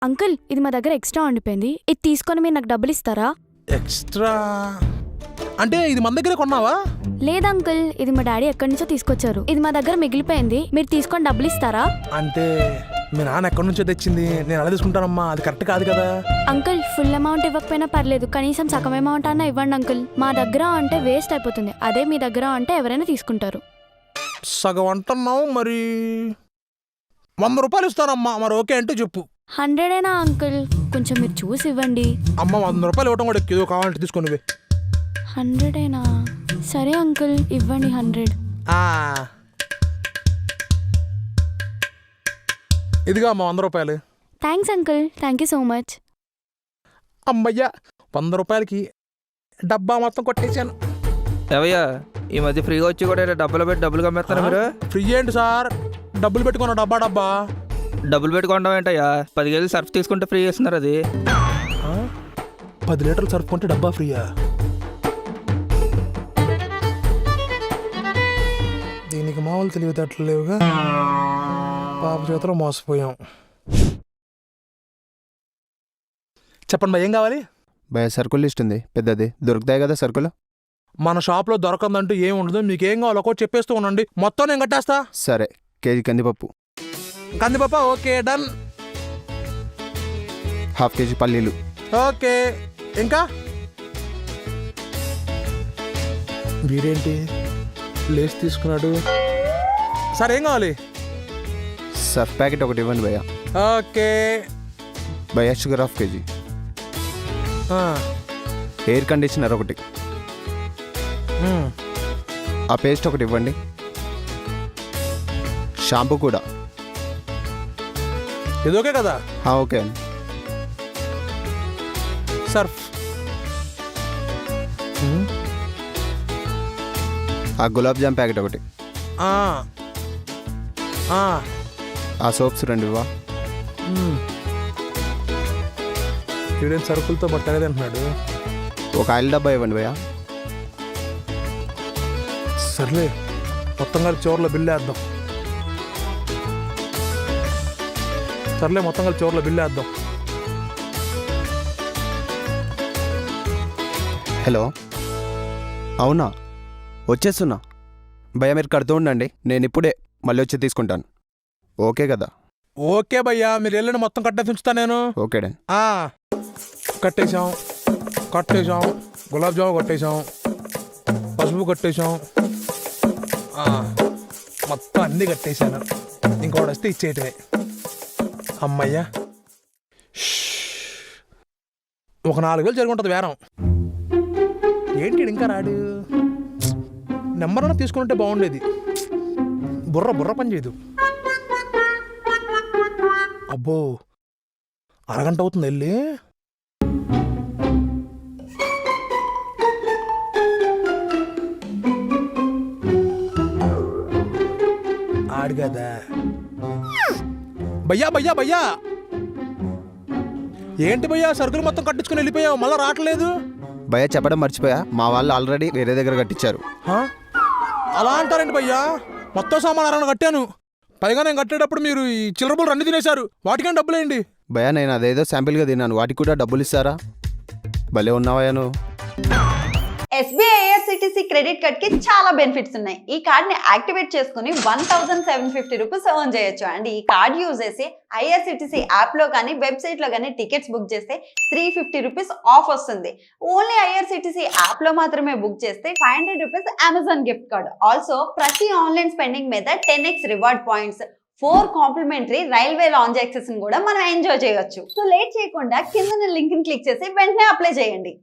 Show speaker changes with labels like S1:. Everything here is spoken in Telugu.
S1: అంకుల్ ఇది మా దగ్గర ఎక్స్ట్రా ఉండిపోయింది, ఇది తీసుకొని మీరు నాకు డబ్బులు ఇస్తారా?
S2: ఎక్స్ట్రా అంటే ఇది మన దగ్గరే కొన్నావా?
S1: లేదు అంకుల్, ఇది మా డాడీ ఎక్కడి నుంచో తీసుకొచ్చారు, ఇది మా దగ్గర మిగిలిపోయింది, మీరు తీసుకొని డబ్బులు ఇస్తారా?
S2: అంటే మీ నాన్న ఎక్కడి నుంచో తెచ్చింది, నేను అలా తీసుకుంటానమ్మా, అది కరెక్ట్ కాదు కదా.
S1: అంకుల్ ఫుల్ అమౌంట్ ఇవ్వకపోయినా పర్లేదు, కనీసం సగం అమౌంట్ అన్నా ఇవ్వండి అంకుల్. మా దగ్గర అంటే వేస్ట్ అయిపోతుంది, అదే మీ దగ్గర అంటే ఎవరైనా తీసుకుంటారు.
S2: సగం అంటున్నావు, మరి 100 రూపాయలు ఇస్తానమ్మా, మరి ఓకే అంటే చెప్పు.
S1: 100 అంకుల్, కొంచెం మీరు చూసి ఇవ్వండి.
S2: అమ్మ 100 రూపాయలు ఇవ్వటం కూడా ఏదో కావాలంటే తీసుకొని
S1: 100 సరే అంకుల్, ఇవ్వండి 100.
S2: ఇదిగా అమ్మ 100 రూపాయలు.
S1: Thanks uncle, thank you so much.
S2: అమ్మయ్యా 100 రూపాయలకి డబ్బా మొత్తం కొట్టేశాను.
S3: ఏవయ్యా ఈ మధ్య ఫ్రీగా వచ్చి కూడా డబ్బులు పెట్టి డబ్బులు కమ్మేస్తారా మీరు?
S2: ఫ్రీ ఏంటి సార్, డబ్బులు పెట్టుకున్న డబ్బా
S3: డబ్బులు పెట్టుకోవడం ఏంటయ్యా? 10 కేజీలు సర్ఫ్ తీసుకుంటే ఫ్రీ చేస్తున్నారు. అది
S2: 10 లీటర్లు సర్ఫ్ కొంటే డబ్బా ఫ్రీయా? దీనికి మామూలు తెలివితేటలు లేవుగా, పాప చేతిలో మోసపోయాం. చెప్పండి భయ, ఏం కావాలి?
S4: భయ సరుకులు లిస్ట్ ఉంది పెద్దది, దొరుకుతాయి కదా సరుకులు?
S2: మన షాప్లో దొరకందంటూ ఏం ఉండదు, మీకేం కావాలో ఒకటి చెప్పేస్తూ ఉండండి, మొత్తం నేను కట్టేస్తా.
S4: సరే, కేజీ కందిపప్పు.
S2: కందిపప్ప ఓకే డన్.
S4: ½ కేజీ పల్లీలు.
S2: ఓకే. ఇంకా వీడేంటి లేస్ తీసుకున్నాడు? సరే ఏం కావాలి?
S4: సర్ఫ్ ప్యాకెట్ ఒకటి ఇవ్వండి భయ్య.
S2: ఓకే.
S4: భయ్య షుగర్ ½ కేజీ. ఎయిర్ కండిషనర్ ఒకటి. ఆ పేస్ట్ ఒకటి ఇవ్వండి. షాంపూ కూడా.
S2: ఇది ఓకే కదా?
S4: ఓకే అండి.
S2: సర్ఫ్.
S4: ఆ గులాబ్ జామ్ ప్యాకెట్ ఒకటి. ఆ సోప్స్ 2 ఇవ్వా.
S2: వీడేం సరుకులతో పట్టలేదు అంటున్నాడు.
S4: ఒక ఆయిల్ డబ్బా ఇవ్వండి భయ్య.
S2: సర్లే, మొత్తం కలిసి చివర్లో బిల్లు వేద్దాం.
S4: హలో, అవునా, వచ్చేస్తున్నా భయ్య, మీరు కడుతూ ఉండండి, నేను ఇప్పుడే మళ్ళీ వచ్చి తీసుకుంటాను. ఓకే కదా?
S2: ఓకే భయ్యా, మీరు వెళ్ళండి, మొత్తం కట్టేసి ఉంచుతా నేను.
S4: Okay done.
S2: కట్టేశాం, గులాబ్ జాము కట్టేశాం, పసుపు కట్టేశాం, మొత్తం అన్నీ కట్టేశాను. ఇంకోటి వస్తే ఇచ్చేయటమే. అమ్మయ్యా, ఒక 4 వేలు జరుగుంటుంది వేరం. ఏంటి ఇంకా రాడు? నెంబర్ అన్నా తీసుకుంటే బాగుండేది. బుర్ర పని చేయదు. అబ్బో, అరగంట అవుతుంది వెళ్ళి. ఆడు కదా. భయ్యా ఏంటి భయ్యా, సరుకులు మొత్తం కట్టించుకుని వెళ్ళిపోయావు, మళ్ళీ రావట్లేదు?
S4: భయ్య చెప్పడం మర్చిపోయా, మా వాళ్ళు ఆల్రెడీ వేరే దగ్గర కట్టించారు.
S2: అలా అంటారండి భయ్యా, మొత్తం సామాన్ అరగంట కట్టాను, పైగా నేను కట్టేటప్పుడు మీరు ఈ చిల్లరబులు 2 తినేశారు, వాటికైనా డబ్బులేండి.
S4: భయ్య నేను అదేదో శాంపిల్గా తిన్నాను, వాటికి కూడా డబ్బులు ఇస్తారా? భలే ఉన్నావయ్యా నువ్వు.
S5: SBI IRCTC క్రెడిట్ కార్డ్ కి చాలా బెనిఫిట్స్ ఉన్నాయి. ఈ కార్డ్ ని యాక్టివేట్ చేసుకుని 1750 రూపీస్ ఎర్న్ చేయొచ్చు. అండ్ ఈ కార్డ్ యూజ్ చేసి IRCTC యాప్ లో కానీ వెబ్సైట్ లో కానీ టికెట్స్ బుక్ చేస్తే 350 రూపీస్ ఆఫ్ వస్తుంది. ఓన్లీ IRCTC యాప్ లో మాత్రమే బుక్ చేస్తే 500 rupees Amazon gift card. Also ప్రతి ఆన్లైన్ స్పెండింగ్ మీద 10x reward points, 4 complimentary railway lounge access కూడా మనం ఎంజాయ్ చేయొచ్చు. సో లేట్ చేయకుండా కింద లింక్ ని క్లిక్ చేసి వెంటనే అప్లై చేయండి.